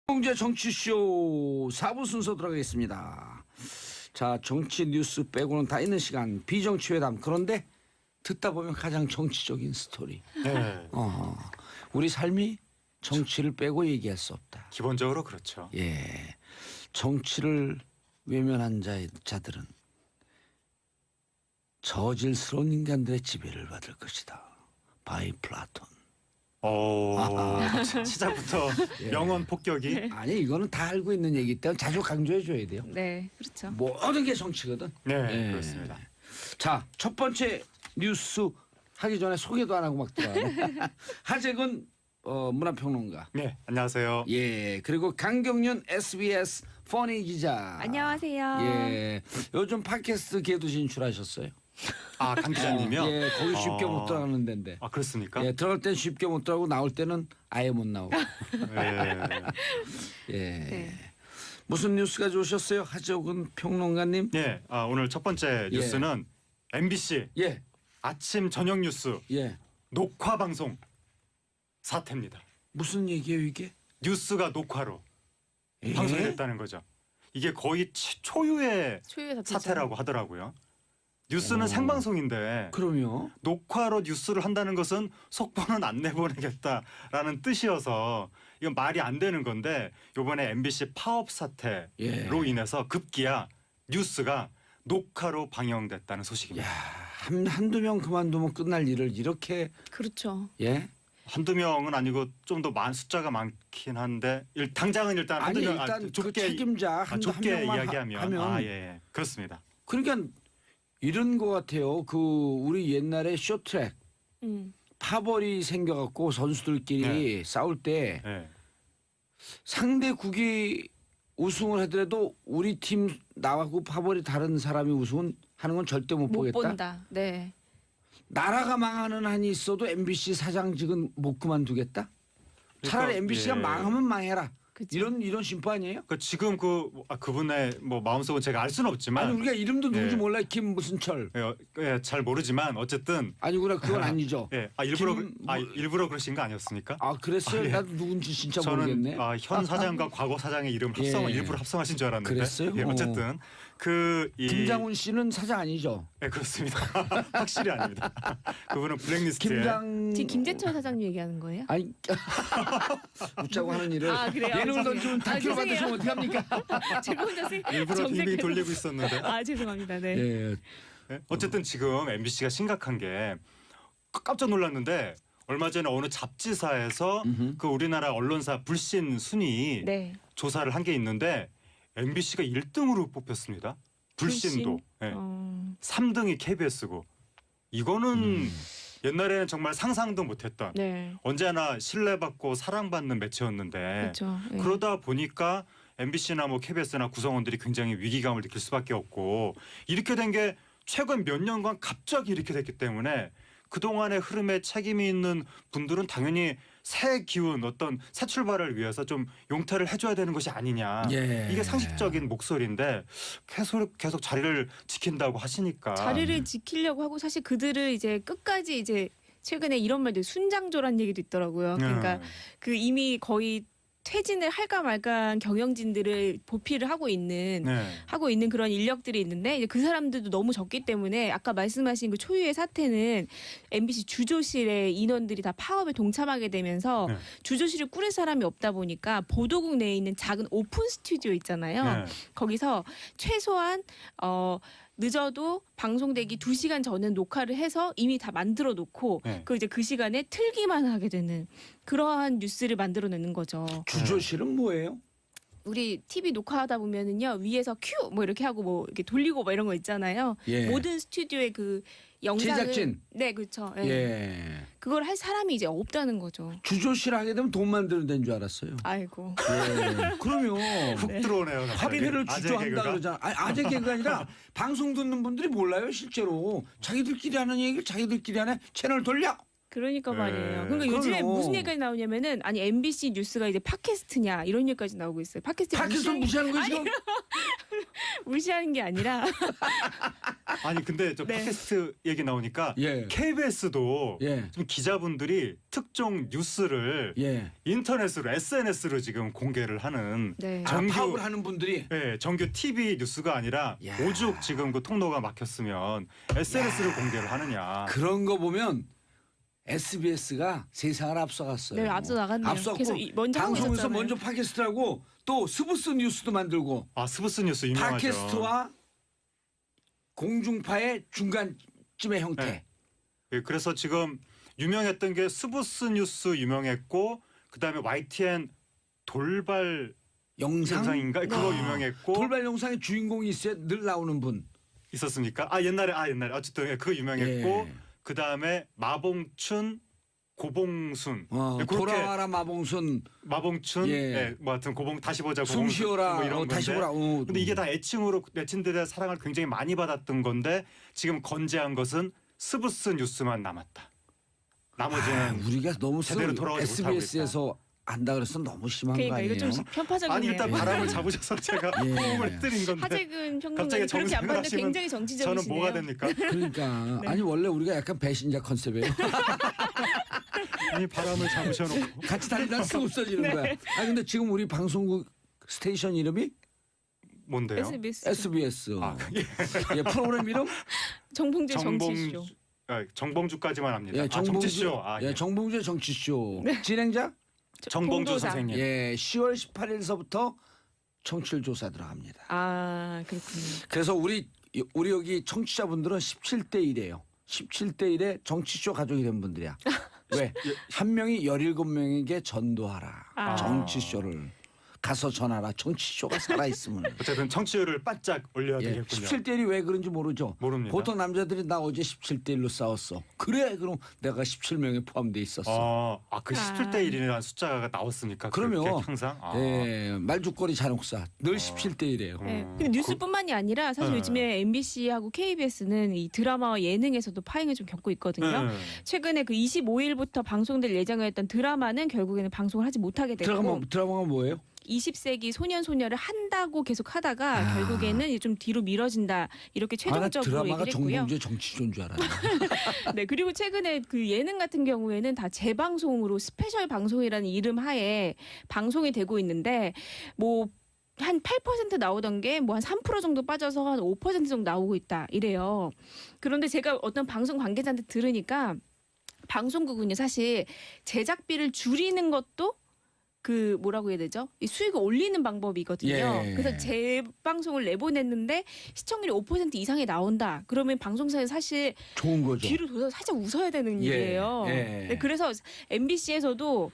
공제 정치쇼 4부 순서 들어가겠습니다. 자, 정치 뉴스 빼고는 다 있는 시간 비정치 회담. 그런데 듣다 보면 가장 정치적인 스토리. 네. 우리 삶이 정치를 빼고 얘기할 수 없다. 기본적으로 그렇죠. 예, 정치를 외면한 자들은 저질스러운 인간들의 지배를 받을 것이다. 바이 플라톤. 시작부터 예. 명언 폭격이. 아니 이거는 다 알고 있는 얘기 때문에 자주 강조해 줘야 돼요. 네, 그렇죠. 모든 게 정치거든. 네, 예. 그렇습니다. 자, 첫 번째 뉴스 하기 전에 소개도 안 하고 막 들어가네. 하재근 문화평론가. 네, 안녕하세요. 예, 그리고 강경윤 SBS 퍼니 기자. 안녕하세요. 예, 요즘 팟캐스트 계도 진출하셨어요. 아, 강 기자님이요? 예, 거기 쉽게 못 들어가는 데인데. 아, 그렇습니까? 예, 들어갈 땐 쉽게 못 들어가고 나올 때는 아예 못 나오고. 네. 예. 네. 무슨 뉴스 가져오셨어요, 하재근 평론가님? 네, 오늘 첫 번째 예. 뉴스는 MBC 예, 아침 저녁 뉴스 예. 녹화 방송 사태입니다. 무슨 얘기예요 이게? 뉴스가 녹화로 예? 방송이 됐다는 거죠. 이게 거의 초유의 초유의 사태죠. 사태라고 하더라고요. 뉴스는 생방송인데 그럼요. 녹화로 뉴스를 한다는 것은 속보는 안 내보내겠다라는 뜻이어서 이건 말이 안 되는 건데 이번에 MBC 파업 사태로 예. 인해서 급기야 뉴스가 녹화로 방영됐다는 소식입니다. 야, 한두 명 그만두면 끝날 일을 이렇게 그렇죠. 예? 한두 명은 아니고 좀 더 숫자가 많긴 한데 당장은 일단 아니 한두 명 일단 그 좁게 책임자 한 좁게 명만 이야기하면 예, 그렇습니다. 그러니까 이런 거 같아요. 그 우리 옛날에 쇼트랙 파벌이 생겨갖고 선수들끼리 싸울 때 예. 상대국이 우승을 하더라도 우리 팀 나하고 파벌이 다른 사람이 우승은 하는 건 절대 못 못 보겠다. 본다. 네. 나라가 망하는 한이 있어도 MBC 사장직은 못 그만두겠다. 차라리 그러니까, MBC가 예. 망하면 망해라. 그쵸. 이런 심보 아니에요? 지금 그분의 뭐 마음속은 제가 알 수는 없지만 아니 우리가 이름도 누군지 예. 몰라요. 김 무슨 철. 잘 모르지만 어쨌든 아니구나 그건 아니죠. 예, 일부러 그러신 거 아니었습니까? 아 그랬어요? 예. 나도 누군지 진짜 저는 모르겠네. 현 사장과 과거 사장의 이름 예. 일부러 합성하신 줄 알았는데. 그랬어요? 예, 어쨌든 김장훈 씨는 사장 아니죠? 예, 그렇습니다. 확실히 아닙니다. 그분은 블랙리스트에. 지금 김재철 사장님 얘기하는 거예요? 아니 웃자고 하는 일을 아, 그래요? 예능을 던지면 다큐를 죄송해요. 받으시면 어떡합니까? 제가 혼자 일부러 빙빙 돌리고 있었는데. 아, 죄송합니다. 네. 예. 예? 어쨌든 지금 MBC가 심각한 게 깜짝 놀랐는데 얼마 전에 어느 잡지사에서 그 우리나라 언론사 불신 순위 네. 조사를 한 게 있는데 MBC가 1등으로 뽑혔습니다. 불신도. 예. 3등이 KBS고 이거는 옛날에는 정말 상상도 못했던 네. 언제나 신뢰받고 사랑받는 매체였는데 그렇죠. 네. 그러다 보니까 MBC나 뭐 KBS나 구성원들이 굉장히 위기감을 느낄 수밖에 없고 이렇게 된 게 최근 몇 년간 갑자기 이렇게 됐기 때문에 그동안의 흐름에 책임이 있는 분들은 당연히 새 기운 어떤 새 출발을 위해서 좀 용퇴를 해줘야 되는 것이 아니냐. 예. 이게 상식적인 목소리인데 계속 자리를 지킨다고 하시니까. 자리를 지키려고 하고 사실 그들을 이제 끝까지 이제 최근에 이런 말도 순장조란 얘기도 있더라고요. 그러니까 그 이미 거의 퇴진을 할까 말까한 경영진들을 보필을 하고 있는 그런 인력들이 있는데 이제 그 사람들도 너무 적기 때문에 아까 말씀하신 그 초유의 사태는 MBC 주조실의 인원들이 다 파업에 동참하게 되면서 주조실을 꾸릴 사람이 없다 보니까 보도국 내에 있는 작은 오픈 스튜디오 있잖아요. 거기서 최소한 늦어도 방송되기 2시간 전에 녹화를 해서 이미 다 만들어 놓고 그 이제 그 시간에 틀기만 하게 되는 그러한 뉴스를 만들어내는 거죠. 주조실은 뭐예요? 우리 TV 녹화하다 보면은요 위에서 큐 뭐 이렇게 하고 뭐 이렇게 돌리고 뭐 이런 거 있잖아요. 예. 모든 스튜디오의 그 영상을 제작진. 네 그렇죠. 예. 예. 그걸 할 사람이 이제 없다는 거죠. 주조실 하게 되면 돈 만드는 데인 줄 알았어요. 아이고. 예. 그러면 훅 들어오네요. 화폐를 주조한다 그러잖아. 아재 개그가 아니라 방송 듣는 분들이 몰라요 실제로. 자기들끼리 하는 얘기를 자기들끼리 하네. 채널 돌려. 그러니까 네. 말이에요. 그러니까 요즘에 그럼요. 무슨 얘기까지 나오냐면은 아니 MBC 뉴스가 이제 팟캐스트냐 이런 얘기까지 나오고 있어요. 팟캐스트 팟캐스트 무시하는 거 지금? 무시하는 게 아니라 아니 근데 저 네. 팟캐스트 얘기 나오니까 예. KBS도 예. 지금 기자분들이 특정 뉴스를 예. 인터넷으로 SNS로 지금 공개를 하는 네. 정규- 파업을 하는 분들이 정규 TV 뉴스가 아니라 야. 오죽 지금 그 통로가 막혔으면 SNS를 공개를 하느냐. 그런 거 보면 SBS가 세상을 앞서갔어요. 네, 앞서 나갔네요. 앞서고 계속 먼저 하고 방송에서 있었잖아요. 먼저 팟캐스트하고 또 스브스 뉴스도 만들고 아 스브스 뉴스 유명하죠. 팟캐스트와 공중파의 중간쯤의 형태. 네. 예, 그래서 지금 유명했던 게 스브스 뉴스 유명했고 그다음에 YTN 돌발 영상 영상인가 그거 아, 유명했고 돌발 영상의 주인공이 있어요. 늘 나오는 분. 있었습니까? 아 옛날에 어쨌든 예, 그거 유명했고 예. 그다음에 마봉춘 고봉순 어, 예, 그렇게 돌아와라 마봉순, 마봉춘 예. 예, 뭐 하여튼 고봉 다시 보자 숨 고봉순 쉬어라, 뭐 이런 건데 다시 보라. 근데 이게 다 애칭으로 내친들의 사랑을 굉장히 많이 받았던 건데 지금 건재한 것은 스브스 뉴스만 남았다. 나머지는 우리가 너무 제대로 돌아오지 못하고 SBS에서 안다 그래서 너무 심한 그러니까 거 아니에요? 이거 좀 편파적이네요. 아니 일단 바람을 잡으셔서 제가 예. 호응을 드린 건데 하재근 갑자기 평론가님 그렇게 안 정색을 봤는데 하시면 굉장히 정치적이시네요. 저는 뭐가 됩니까? 그러니까 네. 아니 원래 우리가 약간 배신자 컨셉이에요. 아니 바람을 잡으셔놓고 같이 다니다 쓰고 없어지는 네. 거야. 아 근데 지금 우리 방송국 스테이션 이름이 뭔데요? SBS SBS. 아, 예, 프로그램 이름 정봉재 정치쇼. 정봉주까지만 합니다. 예, 정치쇼. 예, 정봉주의 정치쇼. 진행자 정봉주 봉도사. 선생님. 예, 10월 18일서부터 청취율 조사 들어갑니다. 아 그렇군요. 그래서 우리 여기 청취자분들은 17대 1이에요. 17대 1에 정치쇼 가족이 된 분들이야. 왜? 한 명이 17명에게 전도하라. 아. 정치쇼를 가서 전하라. 정치쇼가 살아있으면. 어쨌든 청취율을 바짝 올려야 예, 되겠군요. 17대 1이 왜 그런지 모르죠. 모릅니다. 보통 남자들이 나 어제 17대 1로 싸웠어. 그래 그럼 내가 17명에 포함돼 있었어. 그 17대 1이라는 숫자가 나왔습니까? 그럼요. 그렇게 항상. 예, 말죽거리 잔혹사 늘 17대 1이에요. 네. 음. 근데 뉴스뿐만이 아니라 사실 네. 요즘에 MBC하고 KBS는 이 드라마와 예능에서도 파행을 좀 겪고 있거든요. 네. 최근에 그 25일부터 방송될 예정이었던 드라마는 결국에는 방송을 하지 못하게 됐고 드라마가 뭐예요? 20세기 소년 소녀를 한다고 계속 하다가 아. 결국에는 좀 뒤로 미뤄진다 이렇게 나 최종적으로 드라마가 얘기를 했고요. 정봉주의 정치쇼인 줄 알았네. 네 그리고 최근에 그 예능 같은 경우에는 다 재방송으로 스페셜 방송이라는 이름 하에 방송이 되고 있는데 뭐 한 8% 나오던 게 뭐 한 3% 정도 빠져서 한 5% 정도 나오고 있다 이래요. 그런데 제가 어떤 방송 관계자한테 들으니까 방송국은요 사실 제작비를 줄이는 것도 그 뭐라고 해야 되죠? 이 수익을 올리는 방법이거든요. 예. 그래서 재방송을 내보냈는데 시청률이 5% 이상이 나온다. 그러면 방송사에서 사실 좋은 거죠. 뒤로 돌아서 살짝 웃어야 되는 예. 일이에요. 예. 네, 그래서 MBC에서도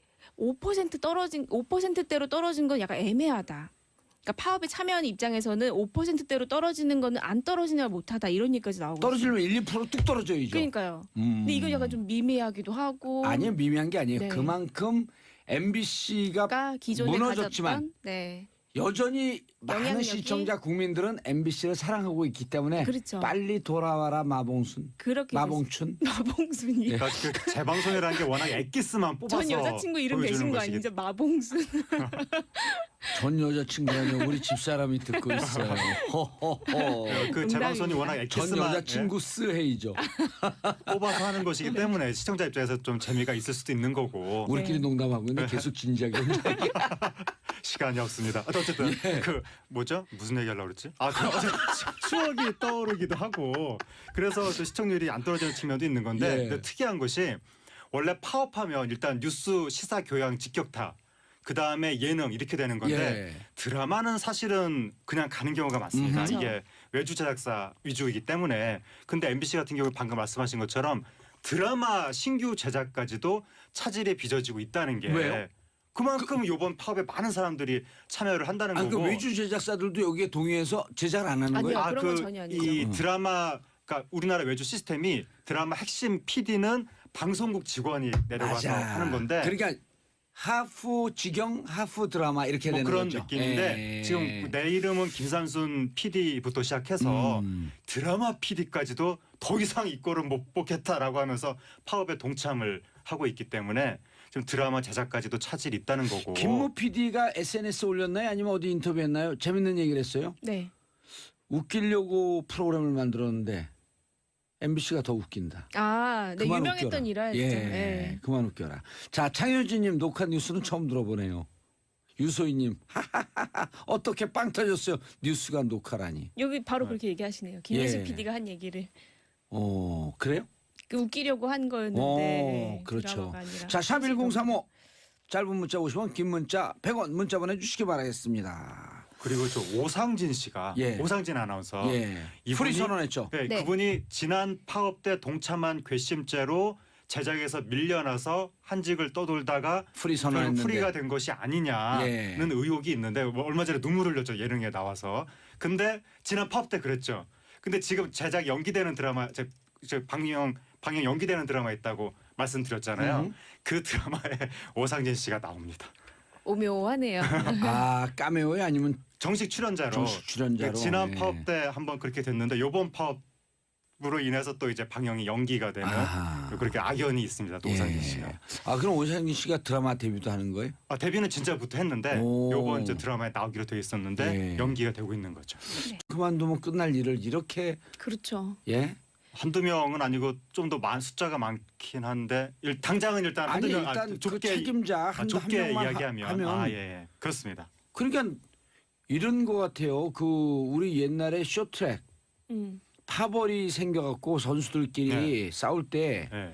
5%대로 떨어진 건 약간 애매하다. 그러니까 파업에 참여하는 입장에서는 5%대로 떨어지는 거는 안 떨어지냐 못하다 이런 얘기까지 나오고 떨어지려면 1, 2%뚝 떨어져야죠. 그러니까요. 근데 이건 약간 좀 미미하기도 하고 아니요 미미한 게 아니에요. 네. 그만큼 MBC가 그러니까 기존에 무너졌지만 가졌던 네. 여전히 많은 영향력이- 시청자 국민들은 MBC를 사랑하고 있기 때문에 그렇죠. 빨리 돌아와라 마봉순, 그렇게 마봉춘. 마봉순이. 그러니까 그 재방송이라는 게 워낙 엑기스만 뽑아서 전 여자친구 이름 보여주는 내신 거 것이기 아니죠? 마봉순. 전 여자친구라뇨. 우리 집사람이 듣고 있어요. 호호호. 그 재방송이 워낙 전 엑기스만 여자친구 스헤이죠. 뽑아서 하는 것이기 때문에 시청자 입장에서 좀 재미가 있을 수도 있는 거고 우리끼리 네. 농담하고 있는데 계속 진지하게 시간이 없습니다. 어쨌든 예. 그 뭐죠? 무슨 얘기하려고 그랬지? 추억이 떠오르기도 하고 그래서 또 시청률이 안 떨어지는 측면도 있는 건데 예. 근데 특이한 것이 원래 파업하면 일단 뉴스, 시사, 교양, 직격타 그 다음에 예능 이렇게 되는 건데 예. 드라마는 사실은 그냥 가는 경우가 많습니다. 그렇죠. 이게 외주 제작사 위주이기 때문에 근데 MBC 같은 경우 방금 말씀하신 것처럼 드라마 신규 제작까지도 차질이 빚어지고 있다는 게 왜요? 그만큼 이번 파업에 많은 사람들이 참여를 한다는 아, 그 거고 외주 제작사들도 여기에 동의해서 제작을 안 하는 아니요. 거예요? 그런 건 전혀 아니죠. 이 드라마 그러니까 우리나라 외주 시스템이 드라마 핵심 PD는 방송국 직원이 내려가서 맞아. 하는 건데 그러니까 하프 직영, 하프 드라마 이렇게 뭐 되는 그런 거죠. 느낌인데 예. 지금 내 이름은 김산순 PD부터 시작해서 음. 드라마 PD까지도 더 이상 이거를 못 보겠다라고 하면서 파업에 동참을 하고 있기 때문에 지금 드라마 제작까지도 차질이 있다는 거고. 김모 PD가 SNS 올렸나요? 아니면 어디 인터뷰했나요? 재밌는 얘기를 했어요. 네. 웃기려고 프로그램을 만들었는데 MBC가 더 웃긴다. 아, 네, 그만 유명했던 웃겨라. 일화였죠. 예, 예. 그만 웃겨라. 자, 창효진님 녹화 뉴스는 처음 들어보네요. 유소희님, 하하하하, 어떻게 빵 터졌어요? 뉴스가 녹화라니. 여기 바로 그렇게 얘기하시네요. 김혜수 예. PD가 한 얘기를 그래요? 그 웃기려고 한 거였는데 그렇죠. 드라마가 아니라 자, 샵 사실은 1035 짧은 문자 50원, 긴 문자 100원 문자 보내주시기 바라겠습니다. 그리고 저 오상진 씨가 예. 오상진 아나운서 예, 이분이- 풀이 선언했죠. 네, 네. 그분이 지난 파업 때 동참한 괘씸죄로 제작에서 밀려나서 한직을 떠돌다가 풀이 결국 선언했는데. 풀이가 된 것이 아니냐는 예. 의혹이 있는데 뭐 얼마 전에 눈물 흘렸죠, 예능에 나와서. 근데 지난 파업 때 그랬죠. 근데 지금 제작 연기되는 드라마 저 방영 연기되는 드라마 있다고 말씀드렸잖아요. 그 드라마에 오상진 씨가 나옵니다. 오묘하네요. 아, 까메오에 아니면 정식 출연자로. 정식 출연자로. 지난 예. 파업 때 한번 그렇게 됐는데 이번 파업으로 인해서 또 이제 방영이 연기가 되는 아하. 그렇게 악연이 있습니다. 또 오상진 예. 씨가. 아, 그럼 오상진 씨가 드라마 데뷔도 하는 거예요? 아, 데뷔는 진짜부터 했는데 오. 요번 이제 드라마에 나오기로 돼 있었는데 예. 연기가 되고 있는 거죠. 그만두면 끝날 일을 이렇게 그렇죠. 예? 한두 명은 아니고 좀 더 숫자가 많긴 한데 당장은 일단 한두 아니 명 일단 그 좁게 책임자 한 좁게 명만 이야기하면 하면 예. 그렇습니다. 그러니까 이런 거 같아요. 그 우리 옛날에 쇼트랙 음. 파벌이 생겨갖고 선수들끼리 싸울 때 예.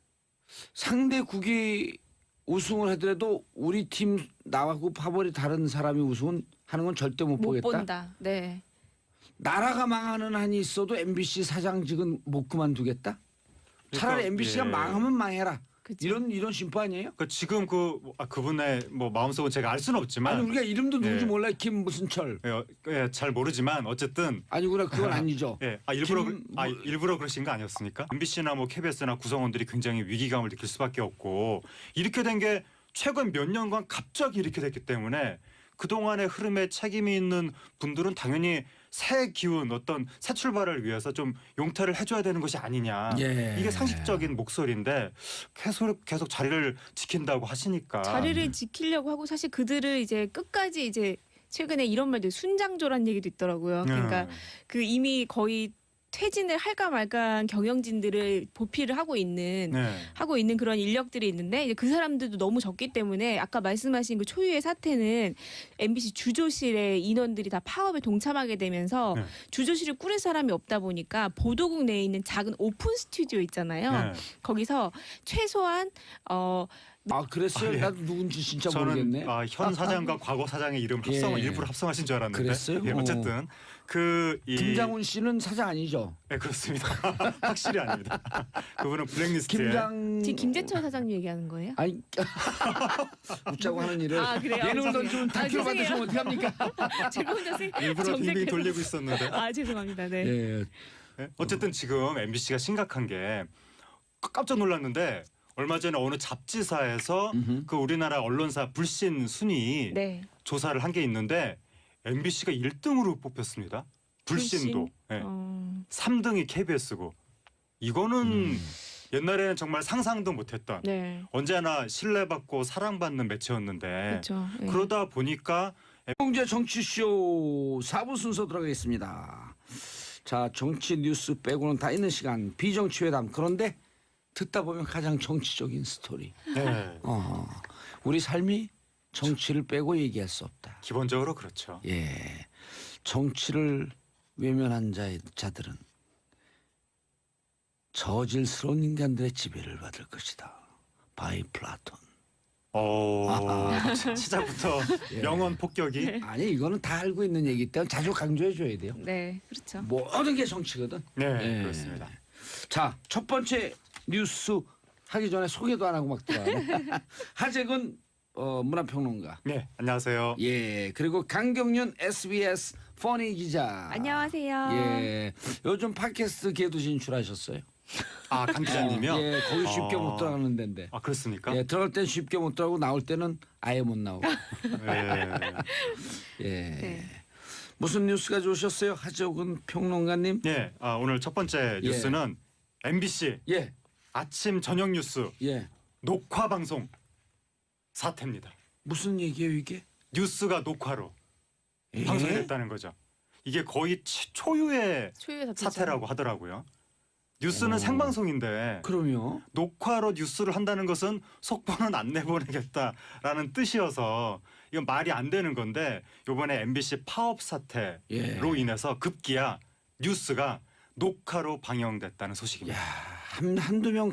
상대국이 우승을 하더라도 우리 팀 나하고 파벌이 다른 사람이 우승은 하는 건 절대 못 못 보겠다. 본다. 네. 나라가 망하는 한이 있어도 MBC 사장직은 못 그만두겠다. 차라리 그러니까, MBC가 예. 망하면 망해라. 그죠. 이런 심보 아니에요? 그 지금 그분의 뭐 마음속은 제가 알 수는 없지만 아니 우리가 이름도 누군지 예. 몰라요. 김 무슨 철. 잘 모르지만 어쨌든 아니구나 그건 아니죠. 예, 김- 일부러 그러신 거 아니었습니까? MBC나 뭐 KBS나 구성원들이 굉장히 위기감을 느낄 수밖에 없고 이렇게 된 게 최근 몇 년간 갑자기 이렇게 됐기 때문에 그 동안의 흐름에 책임이 있는 분들은 당연히 새 기운, 어떤 새 출발을 위해서 좀 용퇴를 해줘야 되는 것이 아니냐. 예. 이게 상식적인 목소리인데 계속 자리를 지킨다고 하시니까. 자리를 지키려고 하고 사실 그들을 이제 끝까지 이제 최근에 이런 말도 순장조란 얘기도 있더라고요. 그러니까 그 이미 거의 퇴진을 할까 말까한 경영진들을 보필을 하고 있는 그런 인력들이 있는데 이제 그 사람들도 너무 적기 때문에 아까 말씀하신 그 초유의 사태는 MBC 주조실의 인원들이 다 파업에 동참하게 되면서 네. 주조실을 꾸릴 사람이 없다 보니까 보도국 내에 있는 작은 오픈 스튜디오 있잖아요. 거기서 최소한 아 그랬어요? 아, 예. 나도 누군지 진짜 저는 모르겠네. 현 사장과 과거 사장의 이름 예. 일부러 합성하신 줄 알았는데. 그랬어요? 예, 어쨌든 김장훈 씨는 사장 아니죠? 네, 그렇습니다. 확실히 아닙니다. 그분은 블랙리스트에. 지금 김재철 사장님 얘기하는 거예요? 아니 웃자고 하는 일을 아, 그래요? 예능을 죄송해요. 던지면 다큐로 죄송해요. 받으시면 어떡합니까? 제가 혼자 일부러 빙빙 정색해서. 돌리고 있었는데. 아 죄송합니다. 네. 예. 네? 어쨌든 지금 MBC가 심각한 게 깜짝 놀랐는데 얼마 전에 어느 잡지사에서 그 우리나라 언론사 불신 순위 네. 조사를 한 게 있는데 MBC가 1등으로 뽑혔습니다. 불신도. 네. 3등이 KBS고 이거는 옛날에는 정말 상상도 못했던 네. 언제나 신뢰받고 사랑받는 매체였는데 그렇죠. 네. 그러다 보니까 홍제 정치쇼 4부 순서 들어가겠습니다. 자 정치 뉴스 빼고는 다 있는 시간 비정치 회담. 그런데 듣다 보면 가장 정치적인 스토리. 네, 우리 삶이 정치를 빼고 얘기할 수 없다. 기본적으로 그렇죠. 예, 정치를 외면한 자들은 저질스러운 인간들의 지배를 받을 것이다. 바이 플라톤. 시작부터 예. 명언 폭격이. 아니 이거는 다 알고 있는 얘기 때문에 자주 강조해 줘야 돼요. 네, 그렇죠. 모든 게 정치거든. 네, 예. 그렇습니다. 자, 첫 번째 뉴스 하기 전에 소개도 안 하고 막 들어가네. 하재근 문화평론가. 네, 안녕하세요. 예, 그리고 강경윤 SBS 퍼니 기자. 안녕하세요. 예, 요즘 팟캐스트 계도 진출하셨어요. 아, 강 기자님이요? 예, 거기 쉽게 아. 못 들어가는 데인데. 아, 그렇습니까? 예, 들어갈 땐 쉽게 못 들어가고 나올 때는 아예 못 나오고. 네. 예. 네. 무슨 뉴스 가져오셨어요, 하재근 평론가님? 네, 오늘 첫 번째 예. 뉴스는 MBC 예, 아침 저녁 뉴스 예. 녹화 방송 사태입니다. 무슨 얘기예요 이게? 뉴스가 녹화로 예? 방송이 됐다는 거죠. 이게 거의 초유의 초유의 사태죠. 사태라고 하더라고요. 뉴스는 오. 생방송인데 그럼요. 녹화로 뉴스를 한다는 것은 속보는 안 내보내겠다라는 뜻이어서 이건 말이 안 되는 건데 이번에 MBC 파업 사태로 예. 인해서 급기야 뉴스가 녹화로 방영됐다는 소식입니다. 야, 한두 명